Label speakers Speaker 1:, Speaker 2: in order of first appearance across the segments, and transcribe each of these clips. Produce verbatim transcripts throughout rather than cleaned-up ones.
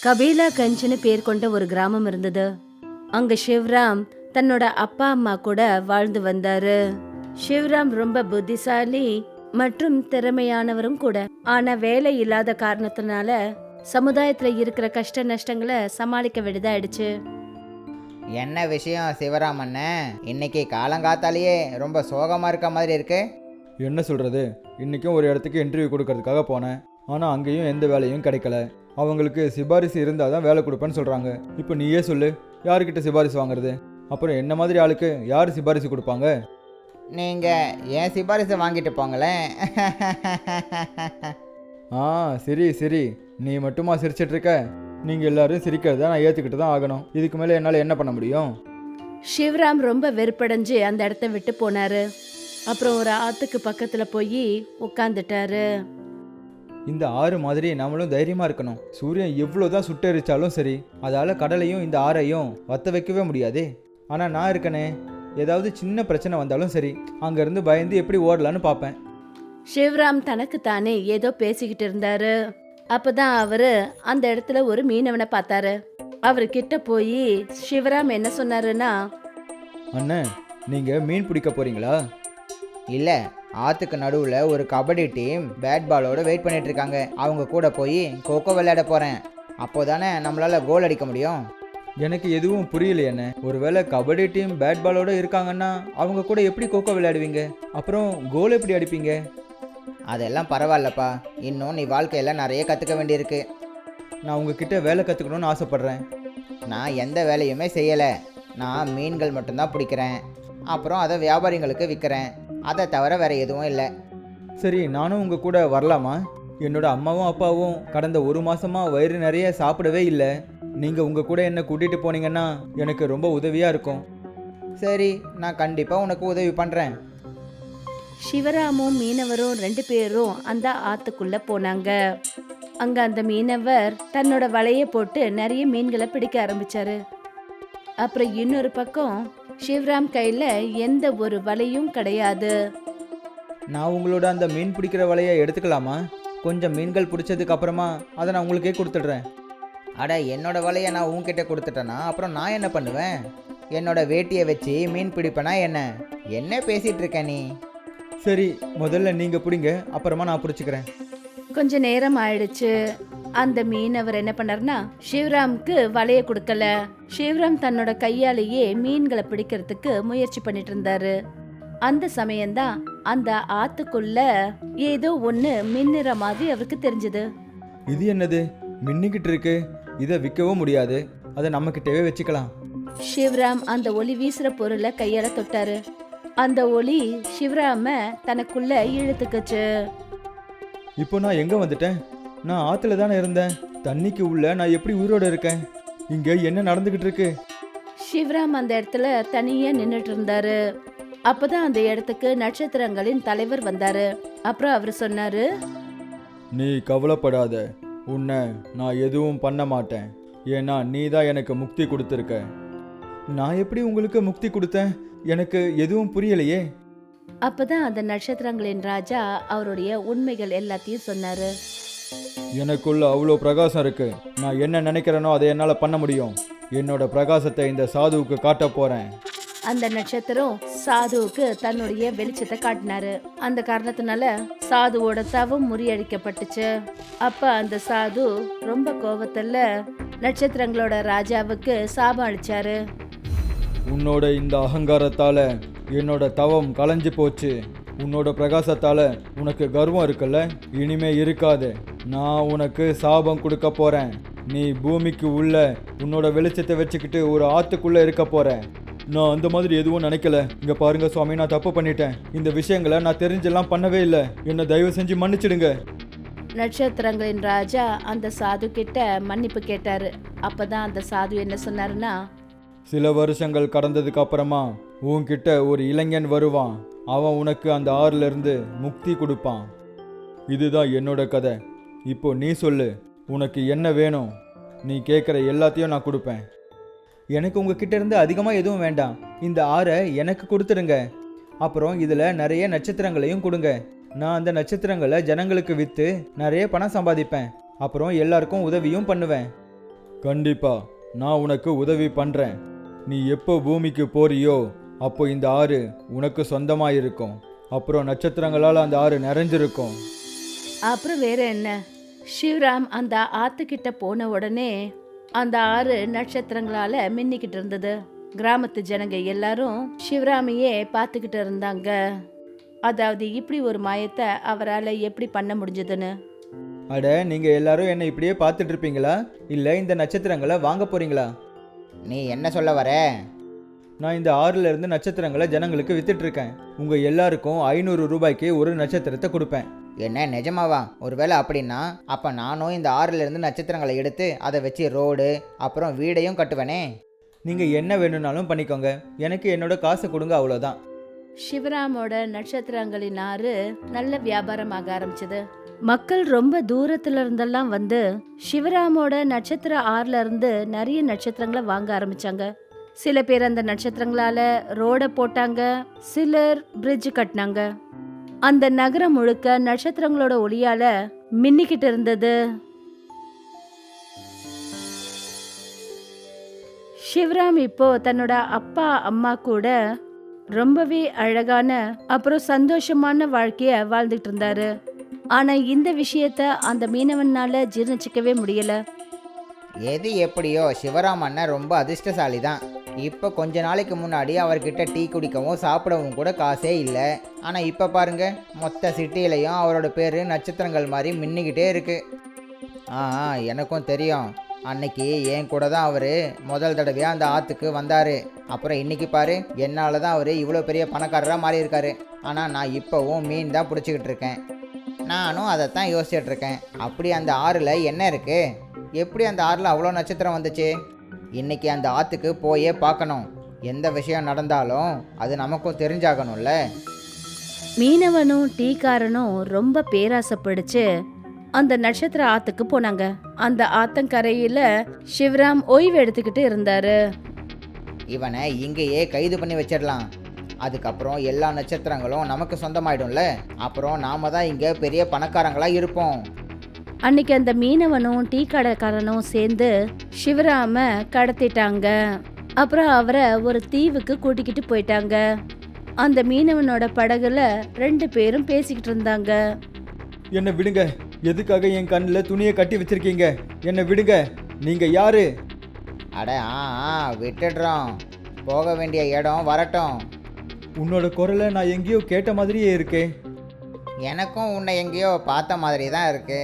Speaker 1: கபீலா கஞ்சுன்னு பேர் கொண்ட ஒரு கிராமம் இருந்தது. அங்க சிவராம் தன்னோட அப்பா அம்மா கூட வாழ்ந்து வந்தாரு. சிவராம் ரொம்ப புத்திசாலி மற்றும் திறமையானவரும் கூட. ஆனா வேலை இல்லாத காரணத்தினால சமுதாயத்துல இருக்கிற கஷ்ட நஷ்டங்களை சமாளிக்க வேண்டியதாயிடுச்சு.
Speaker 2: என்ன விஷயம் சிவராமண்ண? இன்னைக்கு காலங்காத்தாலேயே ரொம்ப சோகமாக இருக்க மாதிரி இருக்கு.
Speaker 3: என்ன சொல்கிறது, இன்றைக்கும் ஒரு இடத்துக்கு இன்டர்வியூ கொடுக்கறதுக்காக போனேன். ஆனால் அங்கேயும் எந்த வேலையும் கிடைக்கல. அவங்களுக்கு சிபாரிசு இருந்தால் தான் வேலை கொடுப்பேன்னு சொல்கிறாங்க. இப்போ நீயே சொல்லு, யாருக்கிட்ட சிபாரிசு வாங்குறது? அப்புறம் என்ன மாதிரி ஆளுக்கு யார் சிபாரிசு கொடுப்பாங்க?
Speaker 2: நீங்கள் ஏன் சிபாரிசை வாங்கிட்டு போங்களேன்.
Speaker 3: ஆ சரி சரி, நீ மட்டுமா சிரிச்சிட்ருக்க? நீங்கள் எல்லாரும் சிரிக்கிறத நான் ஏற்றுக்கிட்டு தான் ஆகணும். இதுக்கு மேலே என்னால் என்ன பண்ண முடியும்?
Speaker 1: சிவராம் ரொம்ப வெறுப்படைஞ்சு அந்த இடத்த விட்டு போனாரு. அப்புறம் ஒரு ஆத்துக்கு பக்கத்துல போய் உட்காந்துட்டாரு.
Speaker 3: இந்த ஆறு மாதிரி நம்மளும் தைரியமாக இருக்கணும். சூரியன் எவ்வளோதான் சுட்டெரிச்சாலும் சரி, அதால் கடலையும் இந்த ஆறையும் வத்த வைக்கவே முடியாதே. ஆனால் நான் இருக்கனே, ஏதாவது சின்ன பிரச்சனை வந்தாலும் சரி, அங்கேருந்து பயந்து எப்படி ஓடலான்னு பார்ப்பேன்.
Speaker 1: சிவராம் தனக்கு தானே ஏதோ பேசிக்கிட்டு இருந்தாரு. அப்பதான் அவரு அந்த இடத்துல ஒரு மீனவனை பார்த்தாரு. அவரு கிட்ட போய் சிவராம் என்ன சொன்னாருன்னா,
Speaker 3: அண்ணே, நீங்கள் மீன் பிடிக்க போகிறீங்களா?
Speaker 2: இல்லை, ஆற்றுக்கு நடுவில் ஒரு கபடி டீம் பேட் பாலோடு வெயிட் பண்ணிட்டு இருக்காங்க. அவங்க கூட போய் கோகோ விளையாட போகிறேன். அப்போ தானே நம்மளால் கோல் அடிக்க முடியும்.
Speaker 3: எனக்கு எதுவும் புரியல என்ன. ஒருவேளை கபடி டீம் பேட் பாலோடு இருக்காங்கன்னா அவங்க கூட எப்படி கோகோ விளையாடுவீங்க? அப்புறம் கோல் எப்படி அடிப்பீங்க?
Speaker 2: அதெல்லாம் பரவாயில்லப்பா, இன்னும் நீ வாழ்க்கையில் நிறைய கற்றுக்க வேண்டியிருக்கு.
Speaker 3: நான் உங்ககிட்ட வேலை கற்றுக்கணும்னு ஆசைப்பட்றேன்.
Speaker 2: நான் எந்த வேலையுமே செய்யலை. நான் மீன்கள் மட்டும்தான் பிடிக்கிறேன். அப்புறம் அதை வியாபாரிங்களுக்கு விற்கிறேன். அதை தவிர வேறு எதுவும் இல்லை.
Speaker 3: சரி, நானும் உங்கள் கூட வரலாமா? என்னோட அம்மாவும் அப்பாவும் கடந்த ஒரு மாதமாக வயிறு நிறைய சாப்பிடவே இல்லை. நீங்கள் உங்கள் கூட என்னை கூட்டிகிட்டு போனீங்கன்னா எனக்கு ரொம்ப உதவியாக இருக்கும்.
Speaker 2: சரி, நான் கண்டிப்பாக உனக்கு உதவி பண்ணுறேன்.
Speaker 1: சிவராமும் மீனவரும் ரெண்டு பேரும் அந்த ஆத்துக்குள்ள போனாங்க. அங்க அந்த மீனவர் தன்னோட வலைய போட்டு நிறைய மீன்களை பிடிக்க ஆரம்பிச்சாரு. அப்புறம் இன்னொரு பக்கம் சிவராம் கையில எந்த ஒரு வலையும் கிடையாது.
Speaker 3: நான் உங்களோட அந்த மீன் பிடிக்கிற வலையை எடுத்துக்கலாமா? கொஞ்சம் மீன்கள் பிடிச்சதுக்கு அப்புறமா அதை நான் உங்களுக்கே கொடுத்துட்றேன்.
Speaker 2: அட, என்னோட வலையை நான் உன்கிட்ட கொடுத்துட்டேன்னா அப்புறம் நான் என்ன பண்ணுவேன்? என்னோட வேட்டியை வச்சு மீன் பிடிப்பேனா என்ன? என்ன பேசிகிட்டு இருக்க நீ?
Speaker 3: சரி, முதல்ல நீங்கள் பிடிங்க, அப்புறமா நான் பிடிச்சிக்கிறேன்.
Speaker 1: கொஞ்ச நேரம் ஆயிடுச்சு. அந்த மீனவர் என்ன பண்ணாருன்னா சிவராம்க்கு வலைய கொடுக்கல. சிவராம் தன்னோட கையாலேயே மீன்களை பிடிக்கிறதுக்கு முயற்சி பண்ணிட்டு இருந்தாரு. அந்த சமயம்தான் அந்த ஆத்துக்குள்ள ஏதோ ஒண்ணு மின்னுற மாதிரி அவருக்கு தெரிஞ்சது.
Speaker 3: இது என்னது? மின்னிக்கிட்டு இருக்கு. இதை விற்கவும் முடியாது, அதை நம்ம கிட்டவே வச்சுக்கலாம்.
Speaker 1: சிவராம் அந்த ஒளி வீசுற பொருளை கையால தொட்டாரு. அந்த ஒளி சிவராம தனக்குள்ள இழுத்துக்குச்சு.
Speaker 3: இப்போ நான் எங்கே வந்துட்டேன்? நான் ஆற்றுல தானே இருந்தேன். தண்ணிக்கு உள்ள நான் எப்படி உயிரோடு இருக்கேன்? இங்கே என்ன நடந்துக்கிட்டு இருக்கு?
Speaker 1: சிவராம் அந்த இடத்துல தனியா நின்னுட்டு இருந்தாரு. அப்பதான் அந்த இடத்துக்கு நட்சத்திரங்களின் தலைவர் வந்தாரு. அப்புறம் அவர் சொன்னாரு,
Speaker 3: நீ கவலைப்படாத, உன்னை நான் எதுவும் பண்ண மாட்டேன். ஏன்னா நீ தான் எனக்கு முக்தி கொடுத்துருக்க. நான் எப்படி உங்களுக்கு முக்தி கொடுத்தேன்? எனக்கு எதுவும் புரியலையே.
Speaker 1: அப்பதான் அந்த நட்சத்திரங்களின் ராஜா அவருடைய உண்மைகள் எல்லாத்தையும் சொன்னாரு.
Speaker 3: எனக்குள்ள அவ்வளோ பிரகாசம் இருக்கு. நான் என்ன நினைக்கிறேனோ அதை என்னால் பண்ண முடியும். என்னோட பிரகாசத்தை இந்த சாதுவுக்கு காட்ட போறேன்.
Speaker 1: அந்த நட்சத்திரம் சாதுவுக்கு தன்னுடைய வெளிச்சத்தை காட்டினாரு. அந்த காரணத்தினால சாதுவோட தவம் முறியடிக்கப்பட்டுச்சு. அப்ப அந்த சாது ரொம்ப கோபத்துல நட்சத்திரங்களோட ராஜாவுக்கு சாபம் அளிச்சாரு.
Speaker 3: உன்னோட இந்த அகங்காரத்தால என்னோட தவம் கலைஞ்சு போச்சு. உன்னோட பிரகாசத்தால உனக்கு கர்வம் இருக்குல்ல, இனிமே இருக்காது. நான் உனக்கு சாபம் கொடுக்க போறேன். நீ பூமிக்கு உள்ள உன்னோட வெளிச்சத்தை வச்சுக்கிட்டு ஒரு ஆத்துக்குள்ள இருக்க போற. நான் அந்த மாதிரி எதுவும் நினைக்கல. இங்க பாருங்க சுவாமி, நான் தப்பு பண்ணிட்டேன். இந்த விஷயங்களை நான் தெரிஞ்செல்லாம் பண்ணவே இல்லை. என்னை தயவு செஞ்சு மன்னிச்சிடுங்க.
Speaker 1: நட்சத்திரங்களின் ராஜா அந்த சாது கிட்ட மன்னிப்பு கேட்டாரு. அப்பதான் அந்த சாது என்ன சொன்னாருன்னா,
Speaker 3: சில வருஷங்கள் கடந்ததுக்கு அப்புறமா உன்கிட்ட ஒரு இளைஞன் வருவான். அவன் உனக்கு அந்த ஆறுல இருந்து முக்தி கொடுப்பான். இதுதான் என்னோட கதை. இப்போ நீ சொல்லு, உனக்கு என்ன வேணும்? நீ கேட்குற எல்லாத்தையும் நான் கொடுப்பேன். எனக்கு உங்ககிட்ட இருந்து அதிகமாக எதுவும் வேண்டாம். இந்த ஆறை எனக்கு கொடுத்துடுங்க. அப்புறம் இதில் நிறைய நட்சத்திரங்களையும் கொடுங்க. நான் அந்த நட்சத்திரங்களை ஜனங்களுக்கு விற்று நிறைய பணம் சம்பாதிப்பேன். அப்புறம் எல்லாருக்கும் உதவியும் பண்ணுவேன். கண்டிப்பா நான் உனக்கு உதவி பண்றேன். நீ எப்போ பூமிக்கு போறியோ அப்போ இந்த ஆறு உனக்கு சொந்தமாக இருக்கும். அப்புறம் நட்சத்திரங்களால் அந்த ஆறு நிறைஞ்சிருக்கும்.
Speaker 1: அப்புறம் வேற என்ன, சிவராம் அந்த ஆத்துக்கிட்ட போன உடனே அந்த ஆறு நட்சத்திரங்களால மின்னிக்கிட்டு இருந்தது. கிராமத்து ஜனங்க எல்லாரும் சிவராமையே பார்த்துக்கிட்டு இருந்தாங்க. அதாவது இப்படி ஒரு மாயத்தை அவரால் எப்படி பண்ண முடிஞ்சதுன்னு.
Speaker 3: அட, நீங்கள் எல்லாரும் என்னை இப்படியே பார்த்துட்டு இருப்பீங்களா, இல்லை இந்த நட்சத்திரங்களை வாங்க போறீங்களா?
Speaker 2: நீ என்ன சொல்ல வர?
Speaker 3: நான் இந்த ஆறுல இருந்து நட்சத்திரங்களை ஜனங்களுக்கு வித்துட்டு இருக்கேன். உங்க எல்லாருக்கும் ஐநூறு ரூபாய்க்கு ஒரு நட்சத்திரத்தை கொடுப்பேன்.
Speaker 2: என்ன நிஜமாவா? ஒருவேளை அப்படின்னா அப்போ நானும் இந்த ஆறுல இருந்து நட்சத்திரங்களை எடுத்து அதை வச்சு ரோடு அப்புறம் வீடையும் கட்டுவேனே.
Speaker 3: நீங்கள் என்ன வேணும்னாலும் பண்ணிக்கோங்க, எனக்கு என்னோட காசை கொடுங்க, அவ்வளோதான்.
Speaker 1: சிவராமோட நட்சத்திரங்களின் ஆறு நல்ல வியாபாரமாக ஆரம்பிச்சது. மக்கள் ரொம்ப தூரத்துல இருந்தெல்லாம் வந்து சிவராமோட நட்சத்திர ஆறுல இருந்து நிறைய நட்சத்திரங்களை வாங்க ஆரம்பிச்சாங்க. சில பேர் அந்த நட்சத்திரங்களால ரோட போட்டாங்க, சிலர் பிரிட்ஜ் கட்டினாங்க. அந்த நகரம் முழுக்க நட்சத்திரங்களோட ஒளியால மின்னிக்கிட்டு இருந்தது. சிவராம் இப்போ தன்னோட அப்பா அம்மா கூட ரொம்பவே அழகான அப்புறம் சந்தோஷமான வாழ்க்கைய வாழ்ந்துட்டு இருந்தாரு. ஆனா இந்த விஷயத்த அந்த மீனவனால ஜீர்ணிச்சிக்கவே முடியல.
Speaker 2: எது எப்படியோ சிவராம் அண்ணன் ரொம்ப அதிர்ஷ்டசாலி தான். இப்போ கொஞ்ச நாளைக்கு முன்னாடி அவர்கிட்ட டீ குடிக்கவும் சாப்பிடவும் கூட காசே இல்லை. ஆனால் இப்போ பாருங்க, மொத்த சிட்டியிலையும் அவரோட பேர் நட்சத்திரங்கள் மாதிரி மின்னிக்கிட்டே இருக்கு. ஆ எனக்கும் தெரியும். அன்னைக்கு என் கூட தான் அவர் முதல் தடவையாக அந்த ஆற்றுக்கு வந்தார். அப்புறம் இன்னைக்கு பாரு, என்னால் தான் அவர் இவ்வளோ பெரிய பணக்காரராக மாறி இருக்காரு. ஆனால் நான் இப்போவும் மீன் தான் பிடிச்சிக்கிட்டு இருக்கேன். நானும் அதைத்தான் யோசிச்சுட்டு இருக்கேன். அப்படி அந்த ஆறில் என்ன இருக்குது? எப்படி அந்த ஆறில் அவ்வளோ நட்சத்திரம் வந்துச்சு? இன்னைக்கு அந்த ஆற்றுக்கு போயே பார்க்கணும். எந்த விஷயம் நடந்தாலும் அது நமக்கும் தெரிஞ்சாகணும்ல.
Speaker 1: மீனவனும் டீக்காரனும் ரொம்ப பேராசைப்படுச்சு அந்த நட்சத்திர ஆத்துக்கு போனாங்க. அந்த ஆத்தங்கரையில சிவராம் ஓய்வு எடுத்துக்கிட்டு இருந்தாரு.
Speaker 2: இவனை இங்கேயே கைது பண்ணி வச்சிடலாம். அதுக்கப்புறம் எல்லா நட்சத்திரங்களும் நமக்கு சொந்தமாயிடும்ல. அப்புறம் நாம தான் இங்கே பெரிய பணக்காரங்களாக இருப்போம்.
Speaker 1: அன்னைக்கு அந்த மீனவனும் டீ கடைக்காரனும் சேர்ந்து சிவராம கடத்திட்டாங்க. அப்புறம் அவரை ஒரு தீவுக்கு கூட்டிக்கிட்டு போயிட்டாங்க. அந்த மீனவனோட படகுல ரெண்டு பேரும் பேசிக்கிட்டு இருந்தாங்க.
Speaker 3: என்னை விடுங்க, எதுக்காக என் கண்ணில் துணியை கட்டி வச்சிருக்கீங்க? என்னை விடுங்க, நீங்க யாரு?
Speaker 2: அட ஆ ஆ விட்டுடுறோம். போக வேண்டிய இடம் வரட்டும்.
Speaker 3: உன்னோட குரலை நான் எங்கேயோ கேட்ட மாதிரியே இருக்கே.
Speaker 2: எனக்கும் உன்னை எங்கேயோ பார்த்த மாதிரி தான் இருக்கு.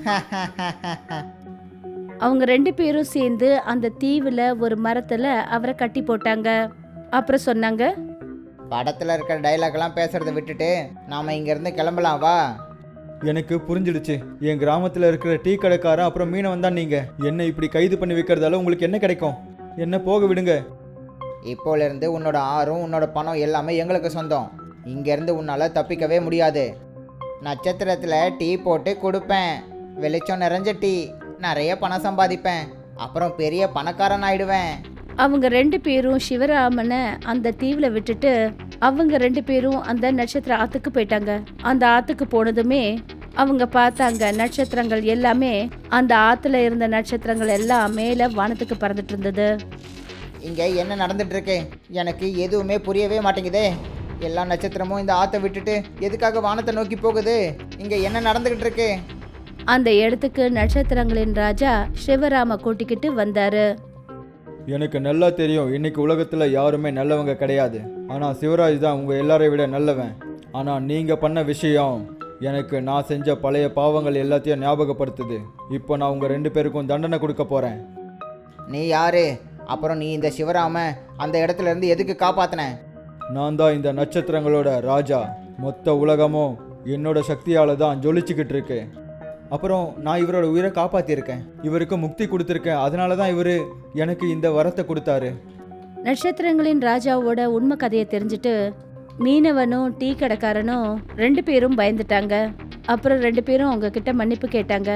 Speaker 1: அவங்க ரெண்டு பேரும் சேர்ந்து அந்த தீவுல ஒரு மரத்துல அவரை கட்டி போட்டாங்க. அப்புறம் சொன்னாங்க,
Speaker 2: படத்தில் இருக்கிற டைலாக்லாம் பேசுறதை விட்டுட்டு நாம் இங்கேருந்து கிளம்பலாம் வா.
Speaker 3: எனக்கு புரிஞ்சிடுச்சு. என் கிராமத்தில் இருக்கிற டீ கடைக்காரன் அப்புறம் மீனவன் தான் நீங்கள். என்னை இப்படி கைது பண்ணி வைக்கிறதால உங்களுக்கு என்ன கிடைக்கும்? என்ன போக விடுங்க.
Speaker 2: இப்போலேருந்து உன்னோட ஆறும் உன்னோட பணம் எல்லாமே எங்களுக்கு சொந்தம். இங்கேருந்து உன்னால் தப்பிக்கவே முடியாது. நட்சத்திரத்தில் டீ போட்டு கொடுப்பேன். வெளிச்சம் நிறைஞ்ச டீ. நிறைய பணம் சம்பாதிப்பேன். அப்புறம் பெரிய பணக்காரன் ஆயிடுவேன்.
Speaker 1: அவங்க ரெண்டு பேரும் சிவராமனை அந்த தீவுல விட்டுட்டு அவங்க ரெண்டு பேரும் அந்த நட்சத்திர ஆத்துக்கு போயிட்டாங்க. அந்த ஆத்துக்கு போனதுமே அவங்க பார்த்தாங்க நட்சத்திரங்கள் எல்லாமே, அந்த ஆத்துல இருந்த நட்சத்திரங்கள் எல்லாம் மேல வானத்துக்கு பறந்துட்டு இருந்தது.
Speaker 2: இங்கே என்ன நடந்துட்டு இருக்கு? எனக்கு எதுவுமே புரியவே மாட்டேங்குதே. எல்லா நட்சத்திரமும் இந்த ஆற்றை விட்டுட்டு எதுக்காக வானத்தை நோக்கி போகுது? இங்கே என்ன நடந்துகிட்டு இருக்கு?
Speaker 1: அந்த இடத்துக்கு நட்சத்திரங்களின் ராஜா சிவராம கூட்டிக்கிட்டு வந்தாரு.
Speaker 3: எனக்கு நல்லா தெரியும், இன்னைக்கு உலகத்தில் யாருமே நல்லவங்க கிடையாது. ஆனால் சிவராஜ் தான் உங்கள் எல்லாரை விட நல்லவன். ஆனால் நீங்கள் பண்ண விஷயம் எனக்கு நான் செஞ்ச பழைய பாவங்கள் எல்லாத்தையும் ஞாபகப்படுத்துது. இப்போ நான் உங்கள் ரெண்டு பேருக்கும் தண்டனை கொடுக்க போகிறேன்.
Speaker 2: நீ யாரு? அப்புறம் நீ இந்த சிவராம அந்த இடத்துல இருந்து எதுக்கு காப்பாத்தின?
Speaker 3: நான் தான் இந்த நட்சத்திரங்களோட ராஜா. மொத்த உலகமும் என்னோட சக்தியால் தான் ஜொலிச்சுக்கிட்டு இருக்கு. அப்புறம் நான் இவரோட உயிரை காப்பாற்றியிருக்கேன். இவருக்கு முக்தி கொடுத்துருக்கேன். அதனால தான் இவர் எனக்கு இந்த வரத்தை கொடுத்தாரு.
Speaker 1: நட்சத்திரங்களின் ராஜாவோட உண்மை கதையை தெரிஞ்சுட்டு மீனவனும் டீ கடைக்காரனும் ரெண்டு பேரும் பயந்துட்டாங்க. அப்புறம் ரெண்டு பேரும் அவங்க கிட்ட மன்னிப்பு கேட்டாங்க.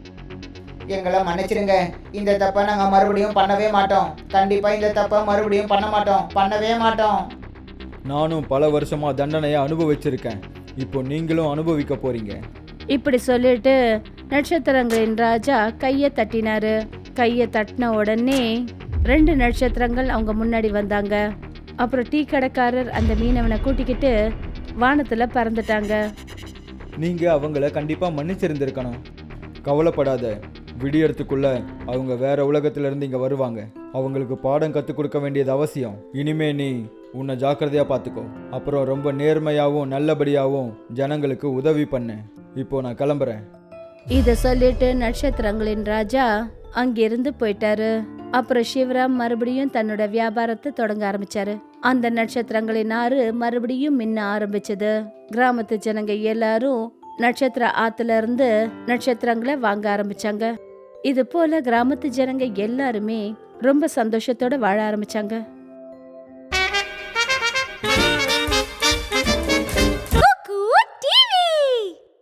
Speaker 2: எங்களை மன்னிச்சிடுங்க. இந்த தப்பை நாங்கள் மறுபடியும் பண்ணவே மாட்டோம். கண்டிப்பாக இந்த தப்பை மறுபடியும் பண்ண மாட்டோம். பண்ணவே மாட்டோம்.
Speaker 3: நானும் பல வருஷமா தண்டனையை அனுபவிச்சிருக்கேன். இப்போ நீங்களும் அனுபவிக்க போறீங்க.
Speaker 1: இப்படி சொல்லிட்டு நட்சத்திரங்களின் ராஜா கையை தட்டினாரு. கையை தட்டின உடனே ரெண்டு நட்சத்திரங்கள் அவங்க முன்னாடி வந்தாங்க. அப்புறம் டீ கடைக்காரர் அந்த மீனவனை கூட்டிக்கிட்டு வானத்துல பறந்துட்டாங்க.
Speaker 3: நீங்க அவங்கள கண்டிப்பா மன்னிச்சிருந்திருக்கணும். கவலைப்படாத, விடியறதுக்குள்ள அவங்க வேற உலகத்துல இருந்து இங்க வருவாங்க. அவங்களுக்கு பாடம் கற்றுக் கொடுக்க வேண்டியது அவசியம். இனிமே நீ உன்னை ஜாக்கிரதையா பார்த்துக்கோ. அப்புறம் ரொம்ப நேர்மையாகவும் நல்லபடியாகவும் ஜனங்களுக்கு உதவி பண்ணு. இப்போ நான் கிளம்புறேன்.
Speaker 1: இத சொல்லிட்டு நட்சத்திரங்களின் ராஜா அங்கிருந்து போயிட்டாரு. அப்புறம் சிவராம் மறுபடியும் தன்னோட வியாபாரத்தை தொடங்க ஆரம்பிச்சாரு. அந்த நட்சத்திரங்களின் ஆறு மறுபடியும் மின்ன ஆரம்பிச்சது. கிராமத்து ஜனங்க எல்லாரும் நட்சத்திர ஆத்துல இருந்து நட்சத்திரங்களை வாங்க ஆரம்பிச்சாங்க. இது போல கிராமத்து ஜனங்க எல்லாருமே ரொம்ப சந்தோஷத்தோட வாழ ஆரம்பிச்சாங்க.